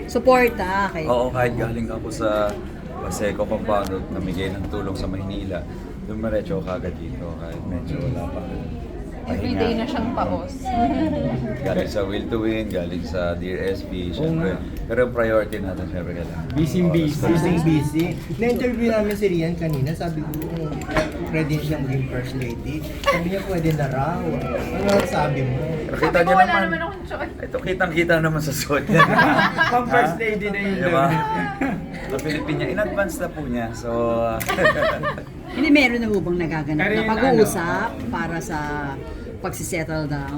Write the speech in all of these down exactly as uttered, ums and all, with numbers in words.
Suporta kay... Oo, kahit galing ako sa Paseco compound at namigay ng tulong sa Maynila, dumiretso ako kagad dito kahit medyo wala pa. Everyday na siyang paos. Galing sa Will to Win, galing sa Dear S P, syempre. Pero yung priority natin, syempre kailangan. Busy, busy. Busy, busy. Na-interview namin si Rian kanina, sabi ko, ready siyang maging first lady. Sabi niya, pwede na raw. Ano ang sabi mo? Pero Sabi kita ko, niyo wala naman, naman akong choice. ito kitang-kita naman sa suot niya. Pang first lady na yun. Diba? Sa Pilipinas, in advance na po niya. So, Hindi meron na hubang nagaganap Pero na yung pag-uusap para sa pagsisettle down.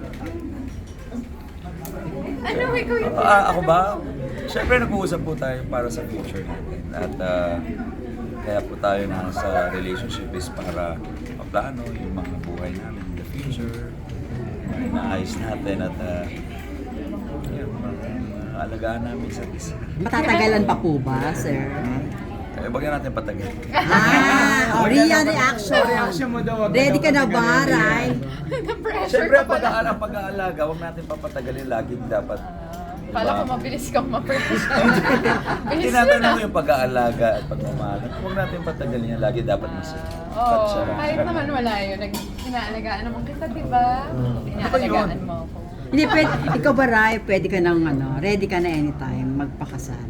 Ano, ikaw yung ah, ako ba? Siyempre nag-uusap po tayo para sa future natin. At ah, kaya po tayo na sa relationship is para maplano yung mga buhay namin in the future. Naayos natin at uh, yun, alagaan namin sa isa. Matatagalan pa po ba, sir? Eh, bagyan natin patagal. Ah, oh, Rian reaction. Reaction mo daw. wag Ready ka na daw ba, patagalin. Ray? na-pressure Siyempre, ka ang pala. pag-aalaga, pag-aalaga, huwag natin papatagalin laging dapat. Pala ko mabilis kang ma-pressure. Hindi Bilis natin na. ano yung pag-aalaga at pagmamahal. Huwag natin patagalin yan lagi, dapat mas Oo, touch siya. kahit naman wala yun. Nag inaalagaan naman kita, di ba? Inaalagaan mo ako. Hindi, pwede, ikaw ba, Ray, pwede ka nang, ano, ready ka na anytime magpakasal?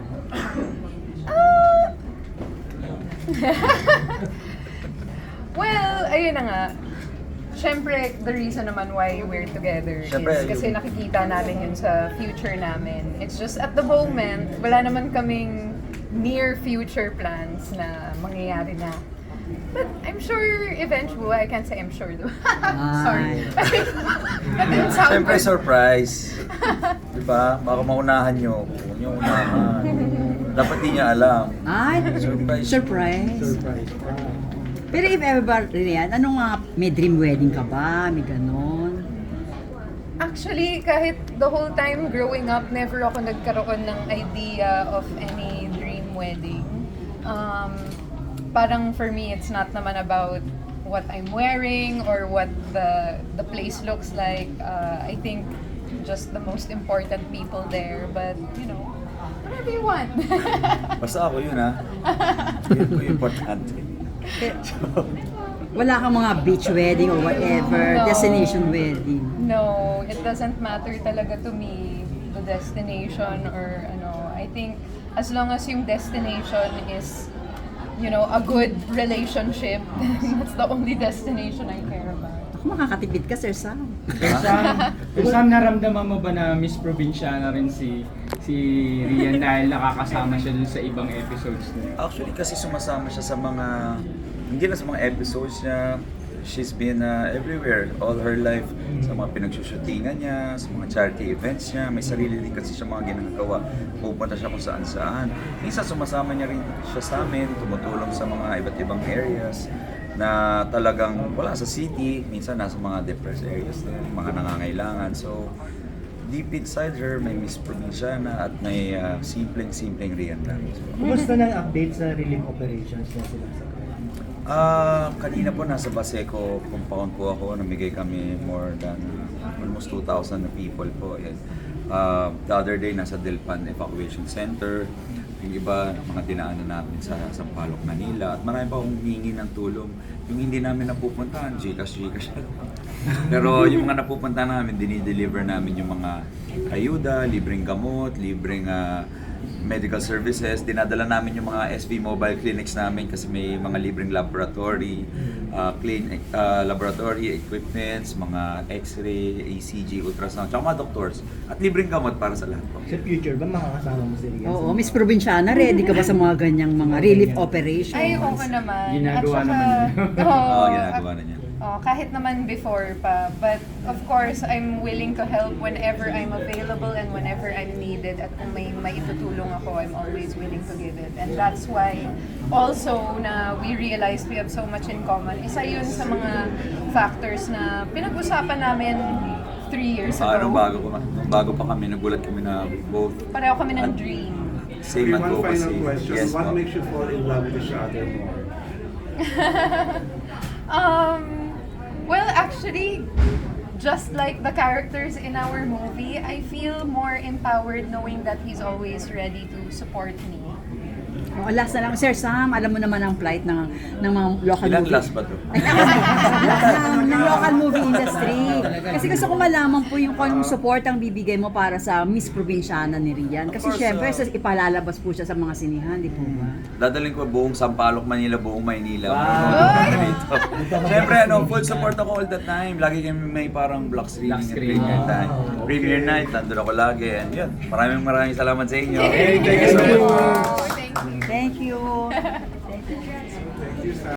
Well, ayun na nga. Siyempre, the reason naman why we're together Siyempre, is kasi yung- nakikita namin yun sa future namin. It's just at the moment, wala naman kaming near future plans na mangyayari na. But I'm sure eventually, I can't say I'm sure though. Sorry. That didn't sound Siyempre, good. surprise. Diba? Baka maunahan nyo. Huwag nyo unahan. Dapat di niya alam. Ay, Surprise. surprise. Surprise pa. Pero if ever ba, Rian, ano nga, may dream wedding ka ba? May ganon? Actually, kahit the whole time growing up, never ako nagkaroon ng idea of any dream wedding. Um, parang for me, it's not naman about what I'm wearing or what the the place looks like. Uh, I think just the most important people there. But, you know, whatever you want. Basta ako yun, ha? Yun po yung importante. Wala kang mga beach wedding or whatever, No. destination wedding. No, it doesn't matter talaga to me, the destination or ano. I think as long as yung destination is, you know, a good relationship, that's the only destination I care about. Ako makakatipid ka, Sir Sam. Pero Sam, pero Sam, naramdaman mo ba na Miss Provinciana rin si si Rian dahil nakakasama siya dun sa ibang episodes niya? Actually, kasi sumasama siya sa mga, hindi na sa mga episodes niya, she's been uh, everywhere all her life. Sa mga pinagsushootingan niya, sa mga charity events niya, may sarili din kasi siya mga ginagawa. Pupunta siya kung saan saan. Minsan sumasama niya rin siya sa amin, tumutulong sa mga iba't ibang areas na talagang wala sa city, minsan nasa mga depressed areas din, mga nangangailangan. So, deep inside her, may Miss Provinciana at may uh, simpleng-simpleng Rian lang. So, Kumusta na ang update sa relief operations na sila sa Ah, kanina po nasa Baseco compound po ako, namigay kami more than uh, almost two thousand na people po. And, uh, the other day nasa Delpan Evacuation Center, yung iba mga dinaanan namin sa Sampaloc, Manila, at marami pa akong hihingi ng tulong. Yung hindi namin napupuntahan, Gcash, Gcash. Pero yung mga napupuntahan namin, dinideliver namin yung mga ayuda, libreng gamot, libreng uh, medical services. Dinadala namin yung mga S V mobile clinics namin kasi may mga libreng laboratory, uh, clean uh, laboratory equipments, mga X-ray, A C G, ultrasound, tsaka mga doctors. At libreng gamot para sa lahat po. Sa future ba makakasama mo si Rian? Oo, Miss Provinciana, ready ka ba sa mga ganyang mga relief operations? Ay, oo naman. Ginagawa At saka, naman yun. oo, Oo, ginagawa na niya. oh, kahit naman before pa. But of course, I'm willing to help whenever I'm available and whenever I'm needed. At kung may maitutulong ako, I'm always willing to give it. And that's why also na we realized we have so much in common. Isa yun sa mga factors na pinag-usapan namin three years Ah, nung ago. bago, ko- nung bago pa kami, nagulat kami na both Pareho kami ng dream. same Okay, one advocacy. final question. Yes, What po. makes you fall in love with each other more? Um, well, actually, just like the characters in our movie, I feel more empowered knowing that he's always ready to support me. Oh, last na lang, Sir Sam, alam mo naman ang plight ng ng mga local Ilan movie. last ba to? ng, ng local movie industry. Kasi gusto ko malaman po yung kung anong support ang bibigay mo para sa Miss Provinciana ni Rian. Kasi Of course, syempre, uh, sa ipalalabas po siya sa mga sinihan, di po ba? Dadaling ko buong Sampaloc, Manila, buong Maynila. Ay! Dito. Siyempre, ano, full support ako all the time. Lagi kami may parang block screening Block at screening. premiere time. Premiere night, nandun ako lagi. And yun, maraming maraming salamat sa inyo. Hey, Thank you so much. Oh, thank you. Thank you.